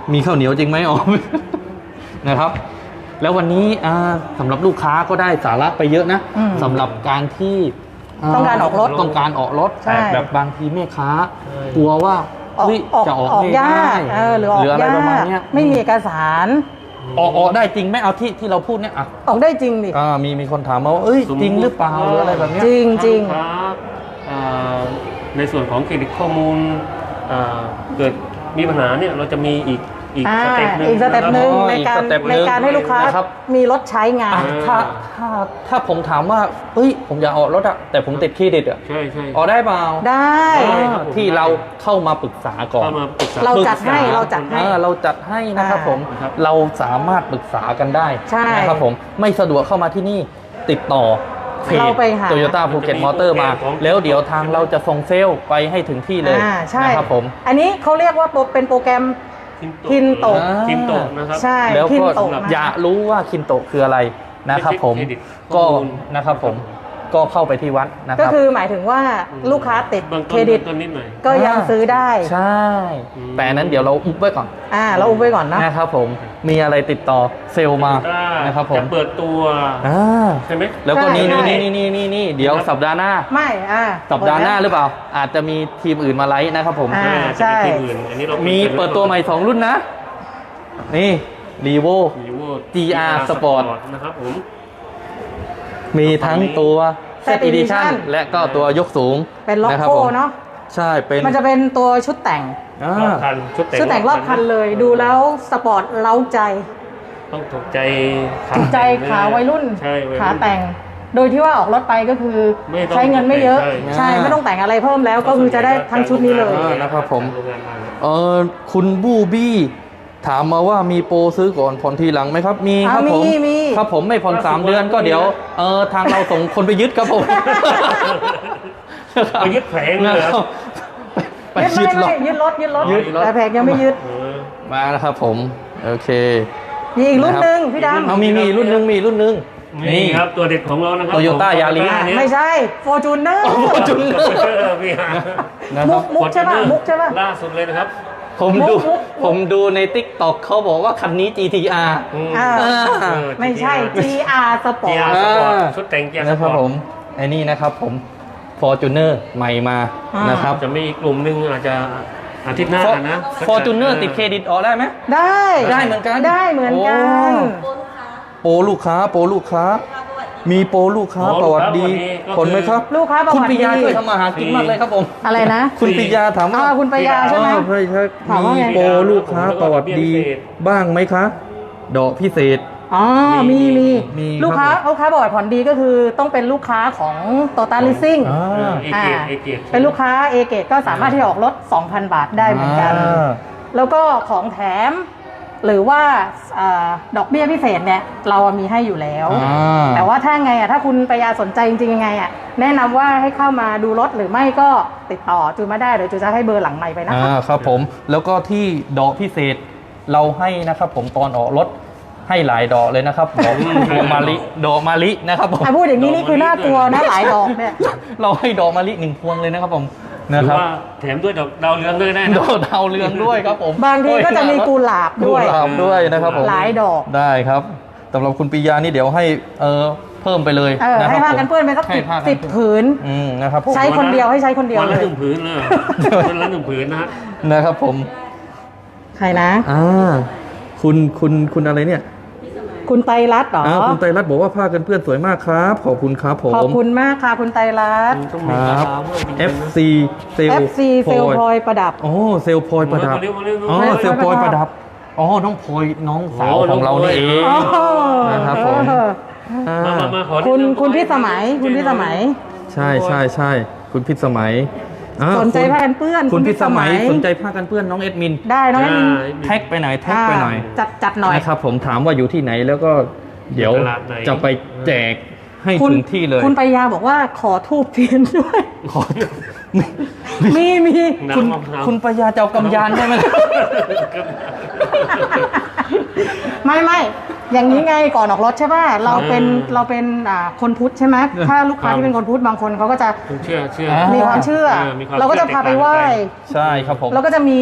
[SPEAKER 1] มีข้าวเหนียวจริงไหมอ๋อ นะครับ แล้ววันนี้สำหรับลูกค้าก็ได้สาระไปเยอะนะ
[SPEAKER 4] อืม
[SPEAKER 1] สำหรับการที่
[SPEAKER 4] ต้องการออกรถ
[SPEAKER 1] ต้องการออกรถ
[SPEAKER 4] ใช่
[SPEAKER 1] แต่แบบบางทีแม่ค้ากลัวว่าเฮ้ยจะออกไม่
[SPEAKER 4] ยา
[SPEAKER 1] ได้
[SPEAKER 4] กหรือออก
[SPEAKER 1] อะไร
[SPEAKER 4] ยา
[SPEAKER 1] ประมาณ
[SPEAKER 4] ก
[SPEAKER 1] เนี้ย
[SPEAKER 4] ไม่มีเอกสาร
[SPEAKER 1] ออกได้จริงไหมเอาที่เราพูดเนี่ยอ่ะ
[SPEAKER 4] ออกได้จริงดิ
[SPEAKER 1] มีคนถามมาว่าเอ้ยจริงหรือเปล่าหรืออะไรแบบเนี้ย
[SPEAKER 4] จริงจริง
[SPEAKER 2] ถ้าลูกค้าในส่วนของเครดิตข้อมูลเกิดมีปัญหาเนี่ยเราจะมีอีกสเต็ปหนึ่ง
[SPEAKER 4] อีกสเต็ปหนึ่ง
[SPEAKER 1] อ๋อ
[SPEAKER 4] ใน
[SPEAKER 1] อีก
[SPEAKER 4] การ
[SPEAKER 1] สเต็ปหนึ่
[SPEAKER 4] ใน
[SPEAKER 1] ง
[SPEAKER 4] การให้ลูกค้า
[SPEAKER 1] นะครับ
[SPEAKER 4] มีรถใช้งาน
[SPEAKER 1] ถ้าผมถามว่าเฮ้ยผมอยากออกรถอะแต่ผมติดเครดิตอะ
[SPEAKER 2] ใช่ใช่
[SPEAKER 1] ออกได้เปล่า
[SPEAKER 4] ได้
[SPEAKER 2] ครับผม
[SPEAKER 1] ที่เราเข้ามาปรึกษาก่อน
[SPEAKER 2] เข้ามาปรึกษา
[SPEAKER 4] เราจัดให้เราจัดให้
[SPEAKER 1] เราจัดให้นะครับผม
[SPEAKER 2] ครับ
[SPEAKER 1] เราสามารถปรึกษากันได้
[SPEAKER 4] ใช่
[SPEAKER 1] นะครับผมไม่สะดวกเข้ามาที่นี่ติดต่อเพจ
[SPEAKER 4] เราไปหา
[SPEAKER 1] โตโยต้าภูเก็ตมอเตอร์มา แล้วเดี๋ยวทางเราจะส่งเซลล์ไปให้ถึงที่เลย
[SPEAKER 4] ใช่
[SPEAKER 1] นะครับผม
[SPEAKER 4] อันนี้เขาเรียกว่าเป็นโปรแกรม คินโตะ
[SPEAKER 2] คินโตะนะครับ
[SPEAKER 4] ใช่
[SPEAKER 1] แล้ว
[SPEAKER 4] คิน
[SPEAKER 1] ก็
[SPEAKER 4] โตะนะ
[SPEAKER 1] อยากรู้ว่าคินโตะคืออะไรนะครับผม
[SPEAKER 2] ไม่ใช่เครดิต
[SPEAKER 1] ก็
[SPEAKER 2] ข้อมูล
[SPEAKER 1] นะครับผมก็เข้าไปที่วัดนะค
[SPEAKER 4] ก็
[SPEAKER 1] รับ
[SPEAKER 4] คือหมายถึงว่าลูกค้าติด
[SPEAKER 2] เบื้อง
[SPEAKER 4] เค
[SPEAKER 2] ต้
[SPEAKER 4] ร
[SPEAKER 2] น
[SPEAKER 4] ดิต
[SPEAKER 2] ต้นนิดหน่อย
[SPEAKER 4] ก็ยังซื้อได้
[SPEAKER 1] ใช่ แต่อันนั้นเดี๋ยวเราอุบไว้ก่อน
[SPEAKER 4] เราอุ้มไว้ก่อนเนอะ
[SPEAKER 1] นะครับผมมีอะไรติดต่อเซลล์มานะครับผม
[SPEAKER 2] จะเปิดตัว
[SPEAKER 1] อ่า
[SPEAKER 2] ใช่ไหม
[SPEAKER 1] แล้วก็นี่
[SPEAKER 4] ใช่
[SPEAKER 1] นี่เดี๋ยวสัปดาห์หน้า
[SPEAKER 4] ไม่
[SPEAKER 1] สัปดาห์หน้าหรือเปล่า อาจจะมีทีมอื่นมาไลฟ์นะครับผม
[SPEAKER 4] ใช่
[SPEAKER 2] จะเป็นที่อื่นอันนี้เรา
[SPEAKER 1] มีเปิดตัวใหม่ 2 รุ่นนะ นี่รีโว
[SPEAKER 2] Vivo
[SPEAKER 1] GR Sport
[SPEAKER 2] นะครับผม
[SPEAKER 1] มีทั้งตัว
[SPEAKER 4] Set
[SPEAKER 1] Set Edition
[SPEAKER 4] Edition
[SPEAKER 1] และก็ตัวยกสูง
[SPEAKER 4] เป็นล็อก
[SPEAKER 1] ะครับ
[SPEAKER 4] โก้
[SPEAKER 1] ผม
[SPEAKER 4] เนาะ
[SPEAKER 1] ใช่เป็น
[SPEAKER 4] มันจะเป็นตัวชุดแต่ง
[SPEAKER 1] อ่าร
[SPEAKER 2] อบคันชุด
[SPEAKER 4] ชุดแต่งรอบคันเลย ดูแล้วสปอร์ตเล้าใจ
[SPEAKER 2] ต้องถูกใจ
[SPEAKER 4] ถูกใจขาวัยรุ่น
[SPEAKER 2] ใช่วัยรุ่น
[SPEAKER 4] ขาแต่ง โดยที่ว่าออกรถไปก็คือ
[SPEAKER 2] ไม่ต้อง
[SPEAKER 4] ใช้เงินไม่เยอะ
[SPEAKER 2] ใช่
[SPEAKER 4] ไม่ต้องแต่งอะไรเพิ่มแล้วก็คือจะได้ทั้งชุดนี้เลย
[SPEAKER 1] นะครับผม
[SPEAKER 2] โรงงานมา
[SPEAKER 1] คุณบูบี้ถามมาว่ามีโปรซื้อก่อนผ่อนทีหลังไหมครับ มีครับผม
[SPEAKER 4] มี
[SPEAKER 1] ครับผมไม่ผ่อน3 เดือนก็เดี๋ยวทางเราส่งคนไปยึดครับผม
[SPEAKER 2] ไปยึดแผงเลยเหรอ
[SPEAKER 1] นะครับไป
[SPEAKER 4] ยึด
[SPEAKER 1] ยึดหรอก
[SPEAKER 4] ยึดรถ
[SPEAKER 1] ยึดรถ
[SPEAKER 4] แต่แผงยังไม่ยึด
[SPEAKER 1] มานะครับผมโอเค
[SPEAKER 4] มีอีกรุ่นหนึ่งพี่ด
[SPEAKER 1] เอามีรุ่นหนึงมีรุ่นหนึง
[SPEAKER 2] นี่ครับตัวเด็ดของเรานะครับ
[SPEAKER 1] Toyota Yaris
[SPEAKER 4] ำไม่ใช่ Fortuner
[SPEAKER 1] จุน
[SPEAKER 2] พี่ฮะ
[SPEAKER 1] นะครับ
[SPEAKER 4] มุกใช่ป่ะมุกใช่ป่ะ
[SPEAKER 2] ล่าสุดเลยนะครับ
[SPEAKER 1] ผมดูใน TikTok เขาบอกว่าคันนี้ GTR
[SPEAKER 4] อ่า ไม่ใช่ GR Sport
[SPEAKER 2] GR
[SPEAKER 1] อ่า
[SPEAKER 2] Sport ชุดแต่ง GR
[SPEAKER 1] นะครับ
[SPEAKER 2] Sport
[SPEAKER 1] ผมไอ้นี่นะครับผม Fortuner ใหม่มานะครับ
[SPEAKER 2] จะมีอีกกลุ่มหนึ่งอาจจะอาทิตย์หน้านะ
[SPEAKER 1] Fortuner ติดเครดิตออกได้ไหม
[SPEAKER 4] ได้
[SPEAKER 1] ได้เหมือนกัน
[SPEAKER 4] ได้เหมือนกัน
[SPEAKER 1] โปรลูกค้ามีโปรลูกค้าประวัติดีผลไหมครับ
[SPEAKER 4] ลูกค้าประ
[SPEAKER 1] คุณ
[SPEAKER 4] วัติ
[SPEAKER 1] ปิ
[SPEAKER 4] ดี
[SPEAKER 1] ยาช่วยทำมาหากินมากเลยครับผม
[SPEAKER 4] อะไรนะ
[SPEAKER 1] คุณปิยาถามว่า
[SPEAKER 4] คุณปัญญาใช่ไหม
[SPEAKER 1] ใช่
[SPEAKER 4] ถามว่า
[SPEAKER 1] มี
[SPEAKER 4] ไง
[SPEAKER 1] โปรลูกค้าประวัติดีบ้างไหมคะดอกพิเศษ
[SPEAKER 4] อ๋อ มี
[SPEAKER 1] มี
[SPEAKER 4] ลูกค้า
[SPEAKER 1] ครับผม
[SPEAKER 4] ลูกค้าบอกว่าผ่อนดีก็คือต้องเป็นลูกค้าของ Total Leasing
[SPEAKER 2] เอเกต
[SPEAKER 4] เป็นลูกค้าเอเกตก็สามารถที่จะออกรถ 2,000 บาทได้เหมือนกัน แล้วก็ของแถม หรือว่าดอกเบี้ยพิเศษเนี่ยเรามีให้อยู่แล้ว แต่ว่าถ้าไงถ้าคุณปยาสนใจจริงๆยังไงแนะนำว่าให้เข้ามาดูรถหรือไม่ก็ติดต่อจูมาได้เดี๋ยวจูจะให้เบอร์หลังไมค์ไปนะคะ
[SPEAKER 1] ครับผมแล้วก็ที่ดอกพิเศษเราให้นะครับผมตอนออกรถให้หลายดอกเลยนะครับดอกมะลินะครับผม
[SPEAKER 4] พูดอย่างนี้นี่คือน่ากลัวนะหลายดอกเนี่ย
[SPEAKER 1] เราให้ดอกมะลิ1 พวงเลยนะครับผม
[SPEAKER 2] ห
[SPEAKER 1] นะ
[SPEAKER 2] รือ
[SPEAKER 1] ครับ
[SPEAKER 2] ว่าแถมด้วยดาวเรืองด้วยได้
[SPEAKER 1] ด
[SPEAKER 2] นะ
[SPEAKER 1] อกดาวเรืองด้วยครับผม
[SPEAKER 4] บางทีก็จะมีกุหลาบด้วย
[SPEAKER 1] กุหลาบด้วยนะครับผม
[SPEAKER 4] หลายดอก
[SPEAKER 1] ได้ครับสำหรับคุณปิยานี่เดี๋ยวให้เพิ่มไปเลยนะค
[SPEAKER 4] ให้
[SPEAKER 1] รับ
[SPEAKER 4] ผ้ากันเปื้อนไปสัก
[SPEAKER 1] ให้ผ้า
[SPEAKER 4] สิบผืน
[SPEAKER 1] นะครับผม
[SPEAKER 4] ใช้คนเดียวให้ใช้คนเดียว
[SPEAKER 2] วัน
[SPEAKER 4] เล
[SPEAKER 2] ละ
[SPEAKER 4] ย
[SPEAKER 2] 1 ผืนเลยวันละ 1 ผืนนะฮะ
[SPEAKER 1] นะครับผม
[SPEAKER 4] ใครนะ
[SPEAKER 1] คุณอะไรเนี่ย
[SPEAKER 4] คุณไตรรัตน์เหรอ
[SPEAKER 1] คุณไตรรัตน์บอกว่าผ้ากันเปื้อนสวยมากครับขอบคุณครับผม
[SPEAKER 4] ขอบคุณมากค่ะคุณไตรรัตน์
[SPEAKER 2] ต้อง
[SPEAKER 1] ค
[SPEAKER 2] มี
[SPEAKER 1] รับ
[SPEAKER 2] ราคาเพิ่มอีกนะ
[SPEAKER 1] FC เซล
[SPEAKER 4] FC เซลพลอยประดับ
[SPEAKER 1] โอ้เซลพลอยประดับ
[SPEAKER 2] มาเร็วมาเร็ว
[SPEAKER 1] อ๋อ
[SPEAKER 2] มาเร็ว
[SPEAKER 1] เซลพลอยประดับอ๋อน้องพลอยน้องสาว
[SPEAKER 2] โอ้
[SPEAKER 1] ของเรานี่เอง
[SPEAKER 2] น้องพลอย
[SPEAKER 1] นะครับผม
[SPEAKER 2] มาขอ
[SPEAKER 4] คุณพิสมัยคุณพิสมัย
[SPEAKER 1] ใช่คุณพิสมัย
[SPEAKER 4] สนใจผ้ากันเปื้อน
[SPEAKER 1] คุณพิสมัย
[SPEAKER 4] คุณพิสมัย
[SPEAKER 1] สนใจผ้ากันเปื้อนน้องเอ็ดมิน
[SPEAKER 4] ได้น้องแอดมิน
[SPEAKER 1] แท็กไปหน่อย
[SPEAKER 4] จัดหน่อย
[SPEAKER 1] นะครับผมถามว่าอยู่ที่ไหนแล้วก็เดี๋ยว
[SPEAKER 2] ตลาดไหน
[SPEAKER 1] จะไปแจกให้
[SPEAKER 4] คุณ
[SPEAKER 1] ถึงที่เลย
[SPEAKER 4] คุณปยาบอกว่าขอทูบเทียนด้วย
[SPEAKER 1] ขอ
[SPEAKER 4] มี
[SPEAKER 1] คุณ
[SPEAKER 2] น้ำมะพร้าว
[SPEAKER 1] คุณปยาเจ้ากำยานได้ไหม
[SPEAKER 4] ไม่อย่างนี้ไงก่อนออกรถใช่ป่ะเราเป็นคนพุทธใช่ไหมถ้าลูกค้าที่เป็นคนพุทธบางคนเขาก็จะ
[SPEAKER 2] เชื่อ
[SPEAKER 1] อ่า
[SPEAKER 4] มีความเชื่อ
[SPEAKER 2] มีความ
[SPEAKER 4] เราก็จะพาไปไหว้
[SPEAKER 1] ใช่ครับผม
[SPEAKER 4] เราก็จะมี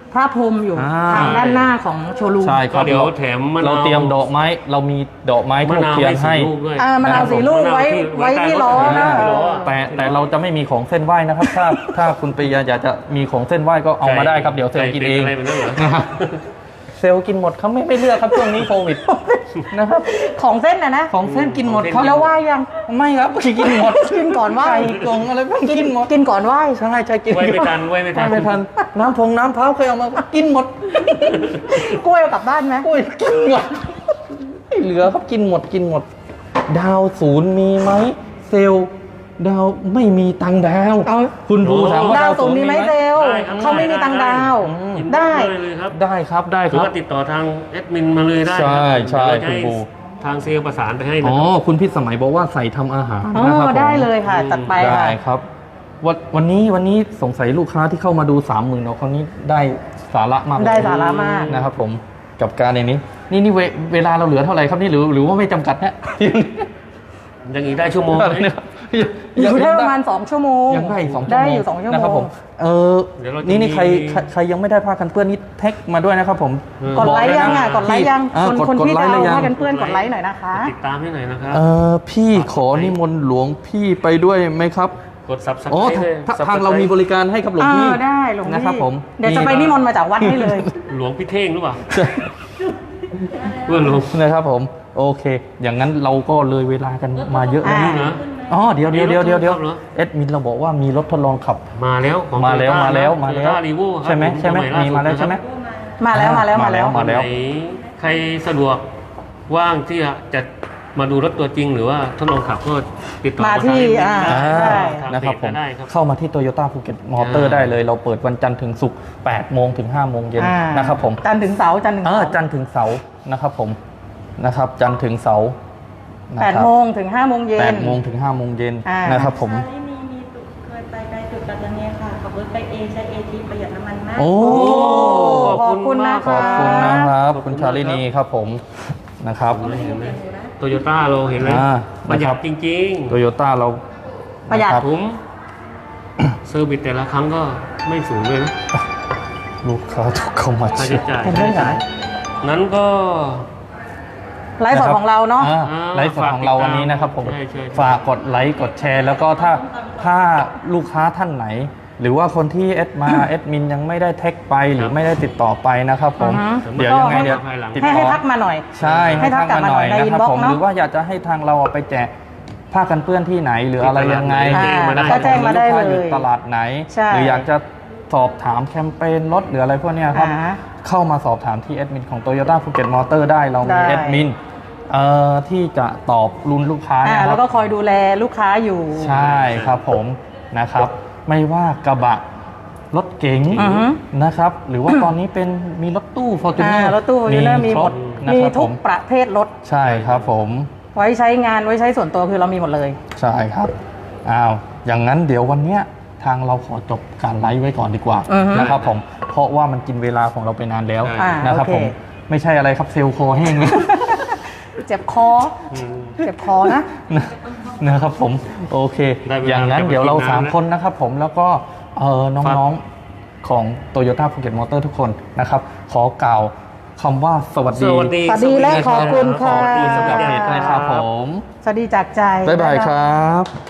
[SPEAKER 4] พระพรหมอยู่
[SPEAKER 1] อ่า
[SPEAKER 4] ทางด้านหน้าของโชว์รูม
[SPEAKER 1] ใช่ค
[SPEAKER 2] ก็
[SPEAKER 1] รับ
[SPEAKER 2] เดี๋ยวแถมมะนาว
[SPEAKER 1] เราเตรียมดอกไม้เรามีดอกไม้
[SPEAKER 2] มะ
[SPEAKER 1] ทูบ
[SPEAKER 2] นาว
[SPEAKER 1] เทียน
[SPEAKER 2] ให้
[SPEAKER 1] ให้
[SPEAKER 2] 4 ลูกด้วย
[SPEAKER 4] มะนาว4 ลูกไว้
[SPEAKER 2] มะนาว
[SPEAKER 4] ไว้ที่ล้อ
[SPEAKER 2] ใต้
[SPEAKER 4] นะ
[SPEAKER 2] รถ
[SPEAKER 1] แต่เราจะไม่มีของเส้นไหว้นะครับ ถ้าคุณปริยาอยากจะมีของเส้นไหว้ก็เอามาได้ครับเดี๋ยวเซลล์กินเอง
[SPEAKER 2] อะไรเป็นเรื่องเหรอ
[SPEAKER 1] นะครับเซลล์กินหมดเขาไม่เลือกครับช่วงนี้โควิดนะครับ
[SPEAKER 4] ของเส้นนะ
[SPEAKER 1] ของเส้นกินหมดครับ
[SPEAKER 4] แล้วไหว้ยัง
[SPEAKER 1] ไม่ครับกินหมด
[SPEAKER 4] กินก่อนไหว้
[SPEAKER 1] ไก่กงอะไรบ้างกินหมด
[SPEAKER 4] กินก่อนไหว้
[SPEAKER 1] ใช่ใช่กิน
[SPEAKER 2] ไว้ไม่ทันไว้ไม่ทัน
[SPEAKER 1] ไม่ทันน้ำน้ำเผาเคยเอามากินหมด
[SPEAKER 4] กล้วยเอากลับบ้านไหม
[SPEAKER 1] โอ้ยกินหมดไม่เหลือครับกินหมดกินหมด ดาวศูนย์มีไหมเซลล์ดาวไม่มีตังค์ดาว
[SPEAKER 4] เอา
[SPEAKER 1] คุณบูถามว่า
[SPEAKER 4] ดา
[SPEAKER 1] ดาว ว
[SPEAKER 4] ศู
[SPEAKER 1] ศู
[SPEAKER 4] น
[SPEAKER 1] น
[SPEAKER 4] ย์
[SPEAKER 1] ย์
[SPEAKER 4] มี
[SPEAKER 1] มี
[SPEAKER 4] ไห
[SPEAKER 1] ไห
[SPEAKER 4] ม
[SPEAKER 1] ม
[SPEAKER 4] เซลล
[SPEAKER 2] ได้ครับ
[SPEAKER 4] เขาไม่มีตังค์ดาว
[SPEAKER 2] ยิน
[SPEAKER 4] ได้
[SPEAKER 2] เลยครับ
[SPEAKER 1] ได้ครับได้
[SPEAKER 2] ห
[SPEAKER 1] ค
[SPEAKER 2] รือ
[SPEAKER 1] รับ
[SPEAKER 2] ว่าติดต่อทางแอดมินมาเลยได้
[SPEAKER 1] ใช่
[SPEAKER 2] ครับ
[SPEAKER 1] ใช่
[SPEAKER 2] เดี๋ยวเราจะ
[SPEAKER 1] คุณ
[SPEAKER 2] ให้
[SPEAKER 1] บู
[SPEAKER 2] ทางเซลล์ประสานไปให้นะ
[SPEAKER 1] อ๋อ
[SPEAKER 2] ครับ
[SPEAKER 1] คุณพิษสมัยบอกว่าใส่ทำอาหาร
[SPEAKER 4] อ๋อ
[SPEAKER 1] นะครับผม
[SPEAKER 4] ได้เลยค่ะจัดไป
[SPEAKER 1] ได้
[SPEAKER 4] ค่ะ
[SPEAKER 1] ครับวันนี้สงสัยลูกค้าที่เข้ามาดู 30,000เราคนนี้ได้สาระมาก
[SPEAKER 4] ได้สาระมาก
[SPEAKER 1] นะครับผมกับการในนี้นี่เวลาเราเหลือเท่าไหร่ครับนี่หรือว่าไม่จำกัดนะ
[SPEAKER 2] ยังอีกได้ชั่วโมงไหม
[SPEAKER 4] อยู่ได้ประมาณ2 ชั่วโมง
[SPEAKER 1] ยังได้อีก2 ชั่วโมง
[SPEAKER 4] ได้อยู่2 ชั่วโม
[SPEAKER 1] นะครับผ
[SPEAKER 4] ง
[SPEAKER 1] ม
[SPEAKER 2] เดี๋ยวเราจะ
[SPEAKER 1] นี่
[SPEAKER 2] มี
[SPEAKER 1] ใครยังไม่ได้ผ้ากันเปื้อนนี่แท็กมาด้วยนะครับผม
[SPEAKER 4] กดไลค์ยังอ่ะ
[SPEAKER 1] บ
[SPEAKER 4] กดไลค์ยัง
[SPEAKER 1] อ่า
[SPEAKER 4] คน
[SPEAKER 1] กด
[SPEAKER 4] ที่
[SPEAKER 1] ไล
[SPEAKER 4] จะ
[SPEAKER 1] ค์หรือ
[SPEAKER 4] เอา
[SPEAKER 1] ยัง
[SPEAKER 4] ผ้ากันเปื้อนกดไลค์หน่อยนะคะ
[SPEAKER 2] ติดตามให้หน่อยนะครับ
[SPEAKER 1] พี่ขอนิมนต์หลวงพี่ไปด้วยไหมครับ
[SPEAKER 2] กด subscribe
[SPEAKER 1] อ๋อ
[SPEAKER 2] เลย
[SPEAKER 1] ทางเรามีบริการให้ครับหลวงพี่
[SPEAKER 4] ได้หลวงพี่
[SPEAKER 1] นะครับผม
[SPEAKER 4] เดี๋ยวจะไปนิมนต์มาจากวัดให้เลย
[SPEAKER 2] หลวงพี่เท่งหรือเปล่าเพื่อนหลวง
[SPEAKER 1] นะครับผมโอเค อย่างนั้นเราก็เลยเวลากันมาเยอะแล้ว
[SPEAKER 4] อ่า
[SPEAKER 1] นะ
[SPEAKER 2] นะ
[SPEAKER 1] อ๋อเดี๋ยว
[SPEAKER 2] มีรถทดลองขับเหรอ
[SPEAKER 1] เอ็ดมินเราบอกว่ามีรถทดลองขับ
[SPEAKER 2] มาแล้วของ
[SPEAKER 1] มาแล้ว
[SPEAKER 2] Toyota
[SPEAKER 1] มาแล้ว
[SPEAKER 2] นะ
[SPEAKER 1] มาแล้ว
[SPEAKER 2] Toyota Revo ครับ
[SPEAKER 1] ใช่ไหม
[SPEAKER 2] ผ
[SPEAKER 1] ใช่ไหม
[SPEAKER 2] สย
[SPEAKER 1] มีมาแล้วใช่ไหม
[SPEAKER 4] มาแล้วมาแล้วมาแล้ว
[SPEAKER 1] มาแล้ว
[SPEAKER 2] วันไหนใครสะดวกว่างที่จะมาดูรถตัวจริงหรือว่าทดลองขับก็ติดต่อ
[SPEAKER 4] มาที่
[SPEAKER 2] ทาง
[SPEAKER 4] ได้
[SPEAKER 2] ทาง
[SPEAKER 1] นะครับ
[SPEAKER 2] เพ
[SPEAKER 1] ผ
[SPEAKER 2] จ
[SPEAKER 1] ม
[SPEAKER 2] ได้ครับ
[SPEAKER 1] เข้ามาที่โตโยต้าภูเก็ตมอเตอร์ได้เลย เราเปิดวันจันทร์ถึงศุกร์8 โมงถึง 5 โมงเย็น
[SPEAKER 4] อ่า
[SPEAKER 1] นะครับผม
[SPEAKER 4] จันทร์ถึงเสาร์จันทร์ถึง
[SPEAKER 1] เอ
[SPEAKER 4] เสา
[SPEAKER 1] อ
[SPEAKER 4] ร์
[SPEAKER 1] จันทร์ถึงเสาร์นะครับผมนะครับจันทร์ถึงเสาร์นะค
[SPEAKER 4] 8
[SPEAKER 1] รับ
[SPEAKER 4] โมงถึง 5 โมงเย็น
[SPEAKER 1] 8 โมงถึง 5 โมงเย็น
[SPEAKER 4] อ่าน
[SPEAKER 1] นะครับผม
[SPEAKER 3] มีจุดเคยไปไกลจุดแบบนี้ค่ะขับรถไปเองใช้เอทีประหยัดน้ำมันมาก
[SPEAKER 1] โอ้
[SPEAKER 4] ขอบคุณนะ
[SPEAKER 1] ข
[SPEAKER 4] คะ
[SPEAKER 1] อบคุณนะครับคุณชาลินีครับผมนะครับ
[SPEAKER 2] เห็นไหมโตโยต้าเราเห็นเลย
[SPEAKER 1] อ่า
[SPEAKER 2] ประหยั
[SPEAKER 1] นะครั
[SPEAKER 2] ด
[SPEAKER 1] บ
[SPEAKER 2] จริง
[SPEAKER 1] โตโยต้าเรา
[SPEAKER 4] ประหยัด
[SPEAKER 1] นคบ
[SPEAKER 2] ๆผมเซอร์วิสแต่ละครั้งก็ไม่สูงเลยนะ
[SPEAKER 1] ลูกค้าทุกเข้ามา
[SPEAKER 2] ค่า
[SPEAKER 1] เช็
[SPEAKER 2] ใช้
[SPEAKER 1] ค
[SPEAKER 2] จ่าย
[SPEAKER 4] เห็นด้วยเหรอ
[SPEAKER 2] นั้นก็
[SPEAKER 4] ไลฟ์สดของเราเนาะ
[SPEAKER 1] ไลฟ์สดของเราวันนี้นะครับผม
[SPEAKER 2] ใช่ใช่
[SPEAKER 1] ฝากกดไลค์กดแชร์ แล้วก็ถ้าลูกค้าท่านไหน หรือว่าคนที่แอดมาแอดมินยังไม่ได้แท็กไปหรือไม่ได้ติดต่อไปนะครับผม
[SPEAKER 4] อือฮึ
[SPEAKER 1] เดี๋ยวยังไงเดี๋ยวติด
[SPEAKER 4] ให้
[SPEAKER 1] ต่อ
[SPEAKER 4] ทักมาหน่อย
[SPEAKER 1] ใช่
[SPEAKER 4] ให้ทักกลับมาหน่อยใน
[SPEAKER 1] นะครั
[SPEAKER 4] inbox
[SPEAKER 1] ผม
[SPEAKER 4] เนอะ
[SPEAKER 1] หรือว่าอยากจะให้ทางเราเอาไปแจกผ้ากันเปื้อนที่ไหนหรืออะไรยังไง
[SPEAKER 2] แจ้งมาได้
[SPEAKER 4] ก็แจ้งมาได้
[SPEAKER 1] หรือ
[SPEAKER 4] เล
[SPEAKER 1] ลูกค้
[SPEAKER 4] ย
[SPEAKER 1] อยู่ตลาดไหน
[SPEAKER 4] ใช่
[SPEAKER 1] หรืออยากจะสอบถามแคมเปญรถหรืออะไรพวกเนี้ยครับ
[SPEAKER 4] อ่า
[SPEAKER 1] เข้ามาสอบถามที่แอดมินของ Toyota Phuket Motor ได้เรามี
[SPEAKER 4] ได้
[SPEAKER 1] แอดมินที่จะตอบรุ่นลูกค้า
[SPEAKER 4] อ่า
[SPEAKER 1] นะค
[SPEAKER 4] แล้
[SPEAKER 1] รั
[SPEAKER 4] ว
[SPEAKER 1] บ
[SPEAKER 4] ก็คอยดูแลลูกค้าอยู่
[SPEAKER 1] ใช่ครับผมนะครับ ไม่ว่ากระบะรถเก๋ง
[SPEAKER 4] อือฮึ
[SPEAKER 1] นะครับ หรือว่าตอนนี้เป็นมีรถตู้ Fortuner
[SPEAKER 4] รถตู้ยูเนอร์มีหมด
[SPEAKER 1] นะ
[SPEAKER 4] มี
[SPEAKER 1] ครับ
[SPEAKER 4] ทุ
[SPEAKER 1] ผ
[SPEAKER 4] ก
[SPEAKER 1] ม
[SPEAKER 4] ประเภทรถ
[SPEAKER 1] ใช่ครับผม
[SPEAKER 4] ไว้ใช้งานไว้ใช้ส่วนตัวคือเรามีหมดเลย
[SPEAKER 1] ใช่ครับอ้าวอย่างนั้นเดี๋ยววันเนี้ยทางเราขอจบการไลฟ์ไว้ก่อนดีกว่า
[SPEAKER 4] อือฮึ
[SPEAKER 1] นะครับผมเพราะว่ามันกินเวลาของเราไปนานแล้ว
[SPEAKER 2] อ่า
[SPEAKER 1] นะครับ
[SPEAKER 4] โอเค
[SPEAKER 1] ผมไม่ใช่อะไรครับเซลล์โคแห้ง
[SPEAKER 4] เจ็บคอ
[SPEAKER 2] อืม
[SPEAKER 4] เจ็บคอนะ
[SPEAKER 1] นะครับผมโอเค
[SPEAKER 2] ได้เวลา
[SPEAKER 1] อย่างนั้น
[SPEAKER 2] จะไป
[SPEAKER 1] เดี๋ยวเรา
[SPEAKER 2] กินน้ำ
[SPEAKER 1] 3 คนนะครับผมแล้วก็น้องๆของ Toyota Phuket Motor ทุกคนนะครับ ขอกล่าวคำว่าสวัส
[SPEAKER 2] ส
[SPEAKER 1] ดี
[SPEAKER 2] วัสดี
[SPEAKER 4] สวัสดีและขอบคุณค่ะ
[SPEAKER 1] ขอบคุณสำหรับเพจนะครับผม
[SPEAKER 4] สวัสดีจากใจ
[SPEAKER 1] บ๊ายบายครับ